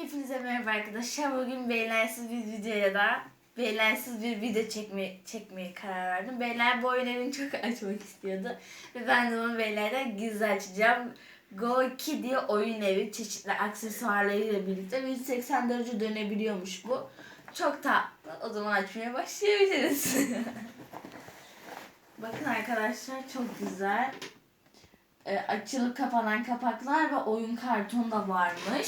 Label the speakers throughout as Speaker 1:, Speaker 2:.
Speaker 1: Hepinize merhaba arkadaşlar. Bugün beylersiz bir videoya da beylersiz bir video çekmeye karar verdim. Beyler bu oyunları çok açmak istiyordu. Ve ben de onu beylerden gizli açacağım. Go 2 diye oyun evi çeşitli aksesuarlarıyla birlikte 180 derece dönebiliyormuş bu. Çok tatlı. O zaman açmaya başlayabiliriz. Bakın arkadaşlar çok güzel. Açılıp kapanan kapaklar ve oyun kartonu da varmış.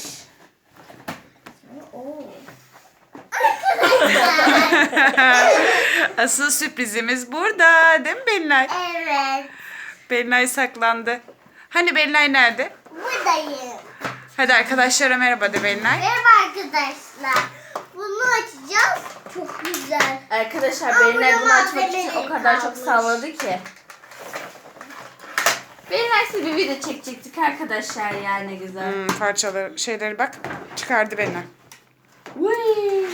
Speaker 2: Asıl sürprizimiz burada. Değil mi Belinay?
Speaker 3: Evet.
Speaker 2: Belinay saklandı. Hani Belinay nerede?
Speaker 3: Buradayım.
Speaker 2: Hadi arkadaşlara merhaba de Belinay.
Speaker 3: Merhaba arkadaşlar. Bunu açacağız. Çok güzel.
Speaker 1: Arkadaşlar
Speaker 3: Aa,
Speaker 1: Belinay bunu
Speaker 3: burada
Speaker 1: açmak için
Speaker 3: malzemeleri
Speaker 1: o kadar çok
Speaker 3: kalmış.
Speaker 1: salladı ki. Belinay size bir video çekecektik arkadaşlar yani ne güzel.
Speaker 2: Parçaları, şeyleri bak. Çıkardı Belinay.
Speaker 1: Vay.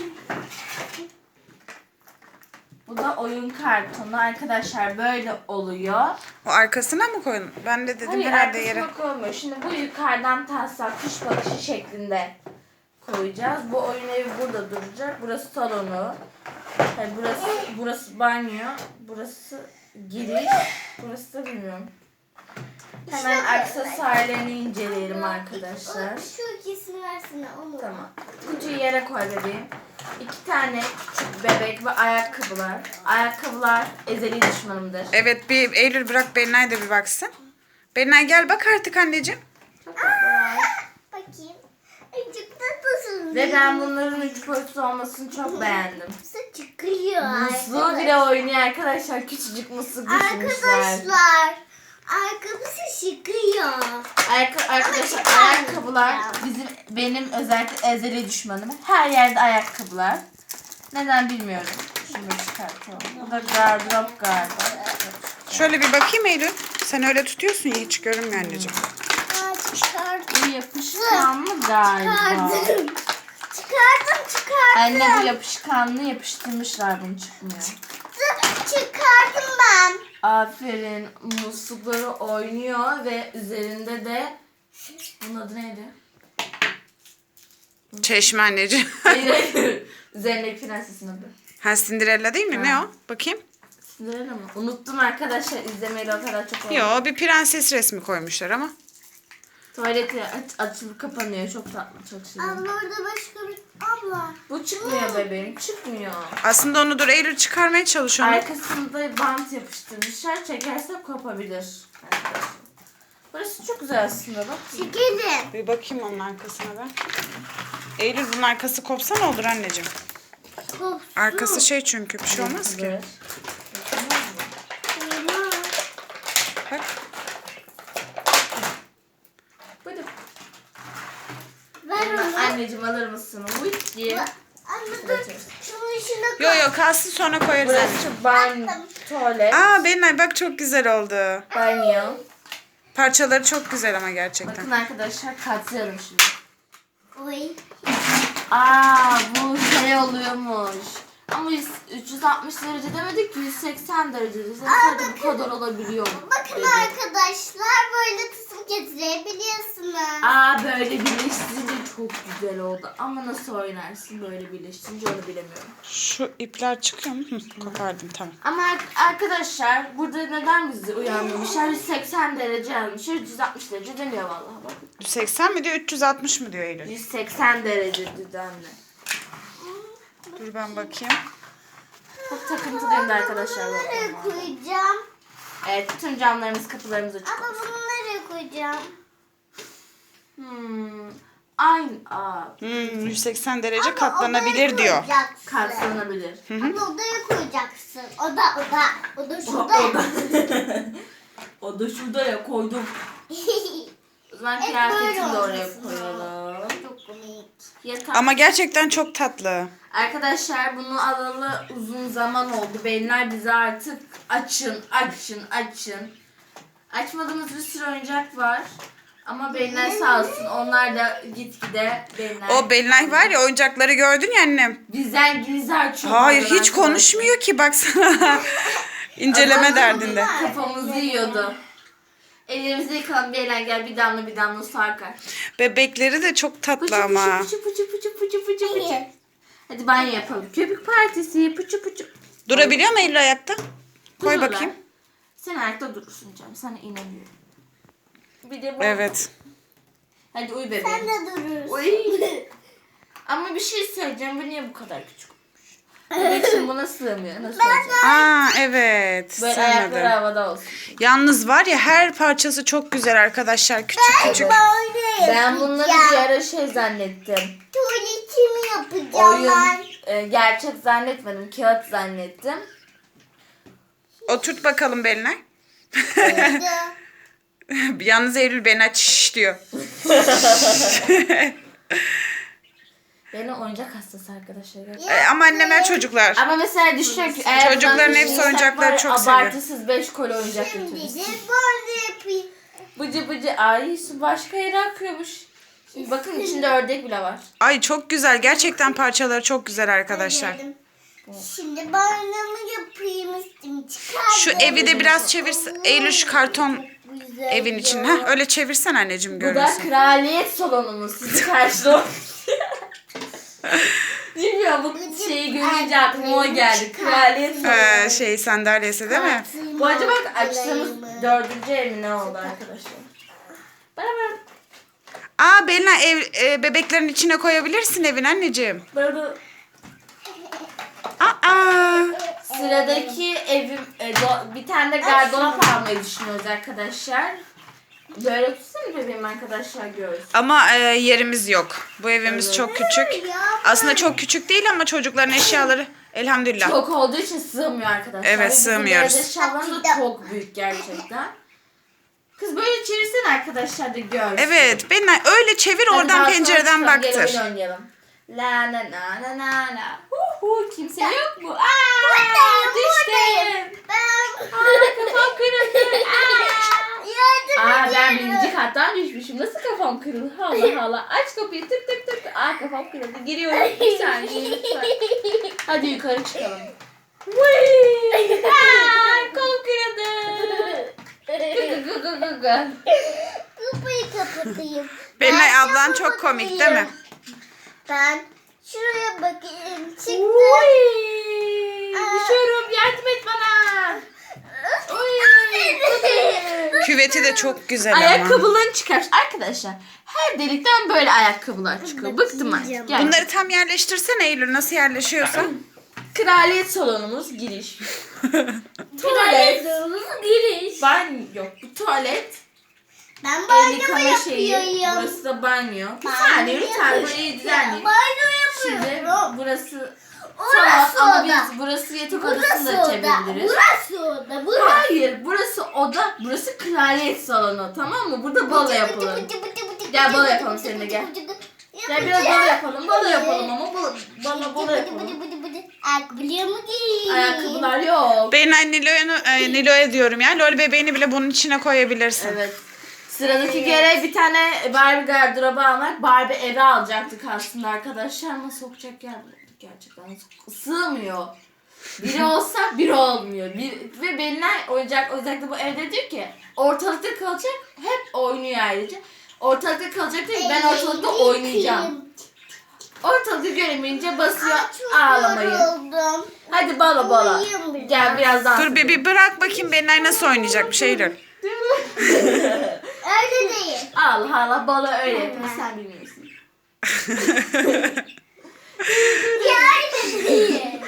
Speaker 1: Bu da oyun kartonu arkadaşlar böyle oluyor.
Speaker 2: O arkasına mı koyun? Ben de dedim
Speaker 1: Hayır
Speaker 2: herhalde yere.
Speaker 1: arkasına koymuyor. Şimdi bu yukarıdan taslak kuş bakışı şeklinde koyacağız. Bu oyun evi burada duracak. Burası salonu. Hayır, burası banyo. Burası giriş. Burası da bilmiyorum. Hemen aksesuarlarını inceleyelim arkadaşlar.
Speaker 3: Şu ikisini versene onu.
Speaker 1: Tamam. Kutuyu yere koy bebeğim. 2 tane küçük bebek ve ayakkabılar. Ayakkabılar ezeli düşmanımdır.
Speaker 2: Evet bir Eylül bırak Belinay da bir baksın. Belinay gel bak artık anneciğim.
Speaker 1: Çok tatlılar.
Speaker 3: Bakayım. Çok tatlısın.
Speaker 1: Ve ben bunların 3 boyutlu olmasını çok beğendim.
Speaker 3: Nasıl çıkıyor?
Speaker 1: Musluğu bile oynuyor arkadaşlar. Küçücük musluk düşünmüşler.
Speaker 3: Arkadaşlar. Arkadaşı çıkıyor.
Speaker 1: Arkadaşlar ayakkabılar benim özellikle ezeli düşmanım. Her yerde ayakkabılar. Neden bilmiyorum. Şunu çıkartalım. Bu da gardırop galiba.
Speaker 2: Şöyle bir bakayım Eylül. Sen öyle tutuyorsun ya hiç görünmüyor anneciğim.
Speaker 3: Aa, çıkardım.
Speaker 1: Bu yapışkanlı galiba.
Speaker 3: Çıkardım.
Speaker 1: Anne bu yapışkanlı yapıştırmışlar bunu çıkmıyor.
Speaker 3: Çıkardım ben.
Speaker 1: Aferin. Muslukları oynuyor ve üzerinde de bunun adı neydi?
Speaker 2: Çeşme anneciğim.
Speaker 1: Hayır. Üzerindeki prensesin adı.
Speaker 2: Ha Cinderella değil mi? Ne o? Bakayım.
Speaker 1: Cinderella mı? Unuttum arkadaşlar. İzlemeyeli o kadar çok oldu.
Speaker 2: Yo bir prenses resmi koymuşlar ama.
Speaker 1: Tuvaleti açılıp kapanıyor. Çok tatlı. Çok şirin.
Speaker 3: Abla orada başka bir... Abla.
Speaker 1: Bu çıkmıyor bebeğim. Çıkmıyor.
Speaker 2: Aslında onu dur Eylül çıkarmaya çalış onu.
Speaker 1: Arkasında bant yapıştırmışlar. Çekersek kopabilir. Arkadaşlar. Burası çok güzel aslında bak.
Speaker 3: Çekelim.
Speaker 2: Bir bakayım onun arkasına ben. Eylül bunun arkası kopsa ne olur anneciğim?
Speaker 3: Kopsun.
Speaker 2: Arkası şey çünkü bir şey olmaz ki.
Speaker 1: Evet.
Speaker 2: Bak.
Speaker 1: Buyurun.
Speaker 3: Ver onu.
Speaker 1: Anneciğim alır mısın? Wit diye.
Speaker 3: Anne dur. Şunun içine koy.
Speaker 2: Yo kalsın sonra koyarız anneciğim.
Speaker 1: Burası banyo, tuvalet,
Speaker 2: Aa Belinay bak çok güzel oldu.
Speaker 1: banyo.
Speaker 2: Parçaları çok güzel ama gerçekten.
Speaker 1: Bakın arkadaşlar katlayalım şimdi.
Speaker 3: Oy.
Speaker 1: Bu şey oluyormuş. Ama 360 derece demedik ki 180 derece. Sadece bu kadar olabiliyor.
Speaker 3: Bakın
Speaker 1: dedi.
Speaker 3: arkadaşlar böyle kısım getirebiliyorsunuz.
Speaker 1: Böyle birleştirince çok güzel oldu. Ama nasıl oynarsın böyle birleştirince onu bilemiyorum.
Speaker 2: Şu ipler çıkıyor mu? Kopardım tamam.
Speaker 1: Ama arkadaşlar burada neden bizi uyandırmışlar? 180 derece yazmışlar. 160 derece demiyor vallahi bak.
Speaker 2: 180 mi diyor 360 mı diyor Eylül?
Speaker 1: 180 derece dedi anne.
Speaker 2: Dur ben bakayım.
Speaker 1: Çok takıntılıyım da arkadaşlar.
Speaker 3: Bunu nereye
Speaker 1: bakın.
Speaker 3: koyacağım?
Speaker 1: Evet bütün camlarımız kapılarımız açık
Speaker 3: Ama
Speaker 1: olsun.
Speaker 3: bunu nereye koyacağım?
Speaker 1: Aynı.
Speaker 2: 180 derece
Speaker 3: Ama
Speaker 2: katlanabilir
Speaker 3: odaya
Speaker 2: diyor.
Speaker 1: Katlanabilir.
Speaker 3: koyacaksın. Ama odaya koyacaksın. O da şurada.
Speaker 1: O da şurada ya koydum. O zaman
Speaker 3: Hep
Speaker 1: kıyafetini
Speaker 3: böyle
Speaker 1: de oraya
Speaker 3: olmasın.
Speaker 1: koyalım.
Speaker 3: Çok komik.
Speaker 1: Yatak.
Speaker 2: Ama gerçekten çok tatlı.
Speaker 1: Arkadaşlar bunu alalı uzun zaman oldu. Beyler bize artık açın. Açmadığımız bir sürü oyuncak var. Ama Beyler sağ olsun onlar da gitgide Beyler.
Speaker 2: O Belinay var ya oyuncakları gördün ya annem.
Speaker 1: Bizden gizli açıyor.
Speaker 2: Hayır
Speaker 1: bazen
Speaker 2: hiç
Speaker 1: arkadaşlar.
Speaker 2: konuşmuyor ki baksana. İnceleme derdinde.
Speaker 1: Kafamızı yiyordu. Ellerimizi yıkalım Beyler gel bir damla su akar.
Speaker 2: Bebekleri de çok tatlı ama.
Speaker 1: Pıçı pıçı pıçı Pıçı pıçı. Hadi banyo yapalım. Köpük partisi. Pıçı pıçı.
Speaker 2: Durabiliyor mu Eylül ayakta? Koy
Speaker 1: Dururlar.
Speaker 2: bakayım.
Speaker 1: Sen ayakta durursun canım. Sana inanıyorum. Bir de bu.
Speaker 2: Evet.
Speaker 1: Hadi uyu bebeğim.
Speaker 3: Sen de durursun.
Speaker 1: Uy. Ama bir şey söyleyeceğim. Bu niye bu kadar küçük olmuş? Bebek şimdi buna sığmıyor. Nasıl olacak?
Speaker 2: Aa evet.
Speaker 1: Böyle ayakları
Speaker 2: Sevmedim.
Speaker 1: havada olsun.
Speaker 2: Yalnız var ya her parçası çok güzel arkadaşlar. Küçük küçük.
Speaker 3: Böyle
Speaker 1: Ben bunları bir
Speaker 3: yapacağım.
Speaker 1: ara şey zannettim.
Speaker 3: Tuvaletimi yapacağım ben.
Speaker 1: Oyun gerçek zannetmedim. Kağıt zannettim.
Speaker 2: Oturt bakalım beline. Yalnız Eylül beni aç şş diyor.
Speaker 1: Benim oyuncak hastası arkadaşlar.
Speaker 2: Ama annemler çocuklar.
Speaker 1: Ama mesela düşünün ki eğer
Speaker 2: Çocukların
Speaker 1: buradan
Speaker 2: hepsi
Speaker 1: düşünürsek
Speaker 2: oyuncakları
Speaker 1: var ya,
Speaker 2: çok seviyor.
Speaker 1: abartısız 5 koli oyuncak
Speaker 3: Şimdi
Speaker 1: götürürüz.
Speaker 3: de böyle yapayım.
Speaker 1: Bıcı bıcı. Ay su başka yere akıyormuş. Şimdi bakın içinde ördek bile var.
Speaker 2: Ay çok güzel. Gerçekten parçaları çok güzel arkadaşlar.
Speaker 3: Şimdi banyomu yapayım üstümü çıkar.
Speaker 2: Şu evi de biraz çevirsin. Eylül şu karton evin içine. Heh, öyle çevirsen anneciğim
Speaker 1: Bu da
Speaker 2: görürsün.
Speaker 1: kraliyet salonumuz. Sizi karşılıyor. Bilmiyorum bu şeyi görünce aklıma o geldi. Kraliyet salonu.
Speaker 2: Şey sandalyesi değil mi?
Speaker 1: Bu acaba açtığımız 4. ev mi ne oldu arkadaşlar? Bana
Speaker 2: Aa Belina bebeklerin içine koyabilirsin evin anneciğim.
Speaker 1: böyle
Speaker 2: Aa.
Speaker 1: sıradaki evim bir tane de gardırop almayı düşünüyoruz arkadaşlar. Böyle tutsana bebeğim arkadaşlar görsün.
Speaker 2: Ama yerimiz yok. Bu evimiz
Speaker 1: Evet.
Speaker 2: çok küçük. Aslında çok küçük değil ama çocukların eşyaları elhamdülillah.
Speaker 1: Çok olduğu için sığmıyor arkadaşlar.
Speaker 2: Evet,
Speaker 1: Ve bizim
Speaker 2: sığmıyoruz.
Speaker 1: beyaz eşyalarımız da çok büyük gerçekten. Kız böyle çevirsene arkadaşlar da görsün.
Speaker 2: Evet Belina öyle çevir
Speaker 1: Hadi
Speaker 2: oradan
Speaker 1: balkona
Speaker 2: pencereden
Speaker 1: çıkalım, gel
Speaker 2: baktır.
Speaker 1: oyun oynayalım. La na na na na na. Kimse yok mu?
Speaker 3: Buradayım,
Speaker 1: Düştüm.
Speaker 3: Ben
Speaker 1: Kafam kırıldı.
Speaker 3: yardım
Speaker 1: Ben
Speaker 3: ediyorum.
Speaker 1: birinci kattan düşmüşüm. Nasıl kafam kırıldı? Allah Allah. Aç kapıyı tık tık tık. Kafam kırıldı. Giriyorum. Bir saniye lütfen. Hadi yukarı çıkalım. Vıy! Kolum kırıldı. Gı gı gı gı gı.
Speaker 3: Kapıyı kapatayım.
Speaker 2: Belina
Speaker 3: Ben
Speaker 2: ablan
Speaker 3: de
Speaker 2: çok komik değil
Speaker 3: kapatayım.
Speaker 2: mi?
Speaker 3: Ben şuraya bakayım. Çıktım.
Speaker 1: Vıy! Düşüyorum. Yardım et bana. Vıy!
Speaker 2: Küveti de çok güzel ama.
Speaker 1: Ayakkabılarını çıkar. Arkadaşlar her delikten böyle ayakkabılar çıkıyor. Bıktım artık. Gel.
Speaker 2: Bunları tam yerleştirsene Eylül nasıl yerleşiyorsa.
Speaker 1: Kraliyet salonumuz giriş. Tuvalet.
Speaker 3: giriş.
Speaker 1: Banyo yok. Bu tuvalet.
Speaker 3: Ben
Speaker 1: El
Speaker 3: banyo
Speaker 1: yıkama şeyi.
Speaker 3: yapıyorum.
Speaker 1: Burası da banyo. Bir
Speaker 3: Banyo
Speaker 1: saniye lütfen
Speaker 3: yapıyorum.
Speaker 1: burayı düzenleyin.
Speaker 3: Banyo
Speaker 1: Şimdi
Speaker 3: yapıyorum.
Speaker 1: burası
Speaker 3: Orası
Speaker 1: salon ama
Speaker 3: oda.
Speaker 1: biz burası yatak
Speaker 3: Burası
Speaker 1: odasını da
Speaker 3: oda.
Speaker 1: açabiliriz.
Speaker 3: Burası oda. Burası.
Speaker 1: Hayır burası oda. Burası kraliyet salonu tamam mı? Burada balo yapalım. Gel balo yapalım seninle gel. Gel biraz balo yapalım. Balo yapalım ama balo yapalım.
Speaker 3: Ayakkabılarımı giyeyim.
Speaker 1: Ayakkabılar yok.
Speaker 2: Ben Nilo'ya diyorum ya. Lol bebeğini bile bunun içine koyabilirsin.
Speaker 1: Evet. Sıradaki görev bir tane Barbie gardırobu almak. Barbie eve alacaktık aslında arkadaşlar ama sokacak yer bulamadık gerçekten. Sığmıyor. Biri olsa biri olmuyor. Ve Belinay oyuncakta bu evde diyor ki ortalıkta kalacak hep oynuyor ayrıca. Ortalıkta kalacak diyor ki ben ortalıkta oynayacağım. Ortalıkta göremeyince basıyor ağlamayı.
Speaker 3: Yoruldum.
Speaker 1: Hadi balo.
Speaker 3: Uyuyayım biraz.
Speaker 1: Gel biraz daha.
Speaker 2: Dur bir bırak bakayım Belinay nasıl oynayacakmış Eylül.
Speaker 3: Öyle değil.
Speaker 1: Allah Allah balo öyle yapıyor sen bilmiyorsun.
Speaker 3: Ya öyle değil.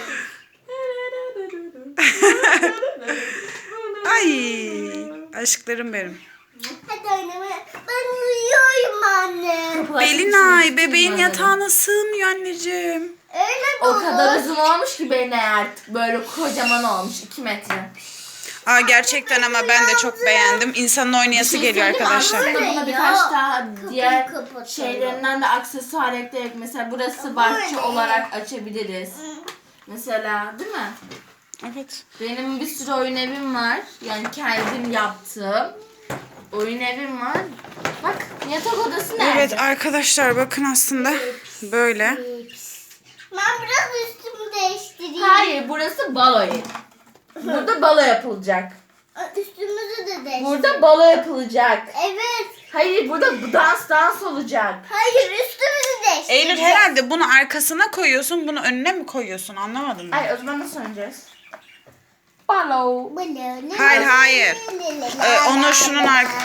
Speaker 2: Ay aşklarım benim.
Speaker 3: Hadi oynamaya. Ben uyuyorum anne.
Speaker 2: Belinay bebeğin yatağına sığmıyor anneciğim.
Speaker 3: Öyle
Speaker 1: O
Speaker 3: baba.
Speaker 1: kadar uzun olmuş ki Belinay artık böyle kocaman olmuş 2 metre.
Speaker 2: Aa gerçekten ama ben de çok beğendim. İnsanın oynayası geliyor
Speaker 1: Söyleyeyim mi?
Speaker 2: arkadaşlar.
Speaker 1: Aslında buna
Speaker 3: Ya.
Speaker 1: birkaç daha diğer
Speaker 3: kapatalım.
Speaker 1: şeylerinden de aksesuar ekleyerek mesela burası bahçe olarak açabiliriz. Mesela değil mi?
Speaker 2: Evet.
Speaker 1: Benim bir sürü oyun evim var. Yani kendim yaptığım oyun evim var. Bak yatak odası nerede?
Speaker 2: Evet arkadaşlar bakın aslında böyle.
Speaker 3: Ben biraz üstümü değiştireyim.
Speaker 1: Hayır burası balo yeri. Burada balo yapılacak.
Speaker 3: Üstümüzü de değiştir.
Speaker 1: Burada balo yapılacak.
Speaker 3: Evet.
Speaker 1: Hayır burada dans olacak.
Speaker 3: Hayır üstümüzü değiştir.
Speaker 2: Eylül herhalde bunu arkasına koyuyorsun, bunu önüne mi koyuyorsun? Anlamadım ben.
Speaker 1: Ay o zaman nasıl oynayacağız? Balo.
Speaker 2: Hayır. Onu şunun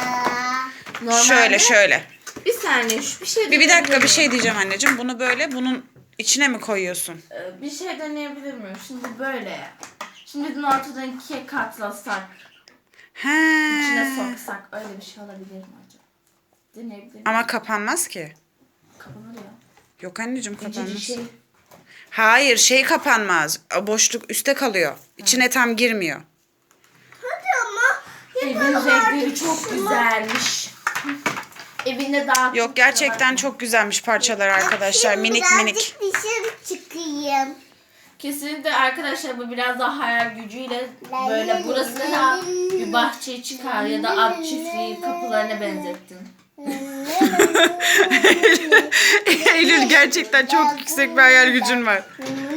Speaker 2: şöyle.
Speaker 1: Bir saniye bir şey
Speaker 2: Bir dakika bir
Speaker 1: deneyebilir
Speaker 2: şey
Speaker 1: miyim?
Speaker 2: diyeceğim anneciğim. Bunu böyle bunun içine mi koyuyorsun?
Speaker 1: Bir şey deneyebilir miyim? Şimdi böyle ya. Şimdi bunu ortadan ikiye katlasak.
Speaker 2: He.
Speaker 1: İçine soksak öyle bir şey olabilir mi acaba? Deneyebilir miyim?
Speaker 2: Ama kapanmaz ki.
Speaker 1: Kapanır ya.
Speaker 2: Yok anneciğim
Speaker 1: İncecik
Speaker 2: kapanmaz.
Speaker 1: şey.
Speaker 2: Hayır şey kapanmaz. O boşluk üstte kalıyor. İçine tam girmiyor.
Speaker 3: Hadi ama.
Speaker 1: Evin renkleri çok güzelmiş. Evinde daha
Speaker 2: Yok gerçekten çok güzelmiş parçalar arkadaşlar.
Speaker 3: Şimdi
Speaker 2: Minik
Speaker 3: birazcık
Speaker 2: minik.
Speaker 3: dışarı çıkayım.
Speaker 1: Kesinlikle arkadaşlar bu biraz daha hayal gücüyle böyle burası da bir bahçeye çıkar ya da at çiftliği kapılarına benzettin.
Speaker 2: Eylül gerçekten çok yüksek bir hayal gücün var.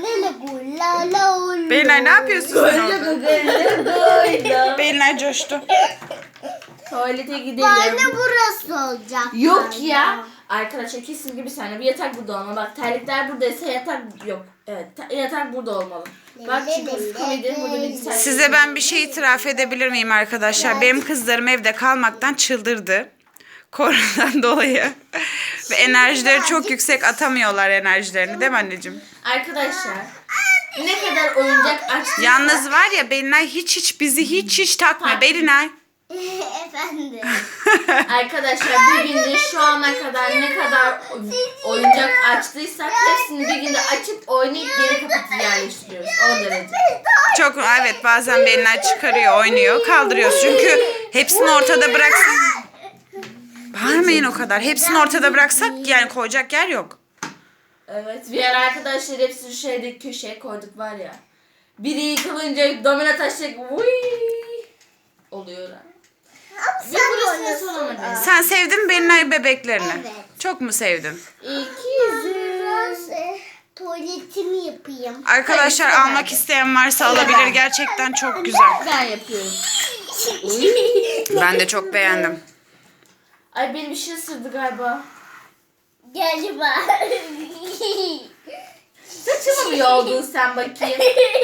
Speaker 2: Belinay ne yapıyorsun sen orada? Belinay coştu.
Speaker 1: Tuvalete gidelim.
Speaker 3: Bana burası olacak.
Speaker 1: Yok ya. Arkadaşlar kesinlikle bir saniye. Bir yatak burada olmalı. Bak terlikler buradaysa yatak yok. Evet yatak burada olmalı. Bak çünkü komedi burada bilgisayar.
Speaker 2: Size ben bir şey itiraf edebilir miyim arkadaşlar? Benim kızlarım evde kalmaktan çıldırdı. Koronadan dolayı. Ve enerjileri çok yüksek, atamıyorlar enerjilerini değil mi anneciğim?
Speaker 1: Arkadaşlar ne kadar oyuncak açtıysa.
Speaker 2: Yalnız var ya Belinay hiç bizi hiç takmıyor. Belinay.
Speaker 3: Efendim.
Speaker 1: Arkadaşlar bir günde şu ana kadar ne kadar oyuncak açtıysak hepsini bir günde açıp oynayıp geri kapatıp yerleştiriyoruz. O derece.
Speaker 2: Çok evet bazen Belinay çıkarıyor, oynuyor, kaldırıyoruz. Çünkü hepsini ortada bıraksak... Bağırmayın o kadar. Hepsini ortada bıraksak yani koyacak yer yok.
Speaker 1: Evet bir ara arkadaşlar hepsini şeyde köşeye koyduk var ya. Biri yıkılınca domino taşacak oluyor. Ve burası nasıl olamadı?
Speaker 2: Sen sevdin mi Belinay bebeklerini?
Speaker 3: Evet.
Speaker 2: Çok mu sevdin?
Speaker 3: Biraz tuvaletimi yapayım.
Speaker 2: Arkadaşlar
Speaker 1: Hayır,
Speaker 2: almak
Speaker 1: ben de.
Speaker 2: isteyen varsa alabilir. Gerçekten çok güzel.
Speaker 1: Ben yapıyorum.
Speaker 2: Ben de çok beğendim.
Speaker 1: Ay benim bir şey ısırdı galiba.
Speaker 3: Galiba.
Speaker 1: Saçımı mı yoldun sen bakayım?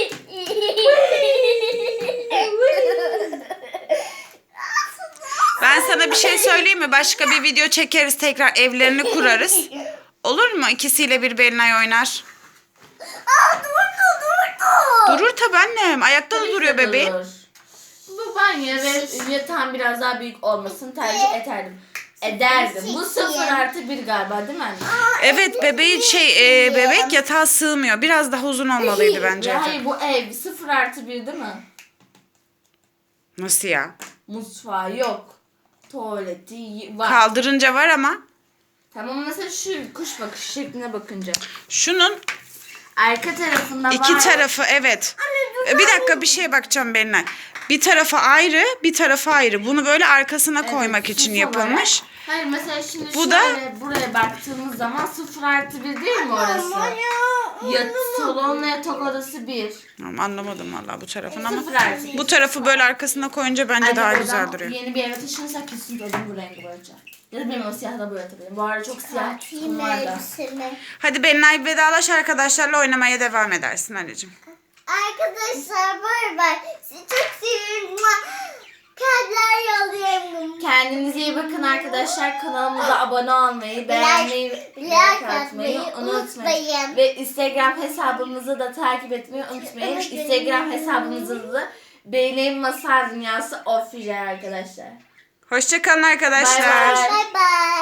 Speaker 2: Ben sana bir şey söyleyeyim mi? Başka bir video çekeriz tekrar evlerini kurarız. Olur mu? İkisiyle bir Belinay oynar.
Speaker 3: Aa durdu.
Speaker 2: Durur tabii annem. Ayakta da duruyor bebeğim.
Speaker 1: Olur. Bu banyo ve yatağın biraz daha büyük olmasını tercih ederdim. Bu 0+1 galiba değil mi anne?
Speaker 2: Evet bebeği bebek yatağa sığmıyor. Biraz daha uzun olmalıydı bence.
Speaker 1: Ya
Speaker 2: yatak.
Speaker 1: hayır bu ev 0+1 değil mi?
Speaker 2: Nasıl ya?
Speaker 1: Mutfağı yok. Tuvaleti var.
Speaker 2: Kaldırınca var ama
Speaker 1: Tamam mesela şu kuş bakış şekline bakınca.
Speaker 2: şunun
Speaker 1: Arka tarafında var.
Speaker 2: iki tarafı evet. Bir dakika bir şeye bakacağım Belinay. Bir tarafı ayrı, bir tarafı ayrı. Bunu böyle arkasına
Speaker 1: Evet,
Speaker 2: koymak için
Speaker 1: süs
Speaker 2: yapılmış.
Speaker 1: olarak. Hayır mesela şimdi
Speaker 2: Bu
Speaker 1: şöyle buraya baktığımız zaman 0+1 değil mi orası? Salonla yatak odası 1.
Speaker 2: Tamam, anlamadım vallahi bu tarafını ama
Speaker 1: 0+1.
Speaker 2: bu tarafı böyle arkasına koyunca bence
Speaker 1: Anne,
Speaker 2: daha
Speaker 1: oradan
Speaker 2: güzel duruyor.
Speaker 1: Yeni bir eve taşınırsak kesin odamı bu rengi boyayacağım. Ya da benim o siyahı da boyatabilirim. Bu arada çok siyah tutum var da.
Speaker 2: Hadi Belinay vedalaş arkadaşlarla oynamaya devam edersin anneciğim.
Speaker 3: Arkadaşlar bay bay. Sizi çok seviyorum. Kalpler yolluyorum.
Speaker 1: Kendinize iyi bakın arkadaşlar. Kanalımıza abone olmayı, beğenmeyi, like atmayı unutmayın. Ve Instagram hesabımızı da takip etmeyi unutmayın. Instagram hesabımızı da Beyneyim Masal Dünyası Official arkadaşlar.
Speaker 2: Hoşça kalın arkadaşlar.
Speaker 1: Bay bay.
Speaker 3: Bay bay.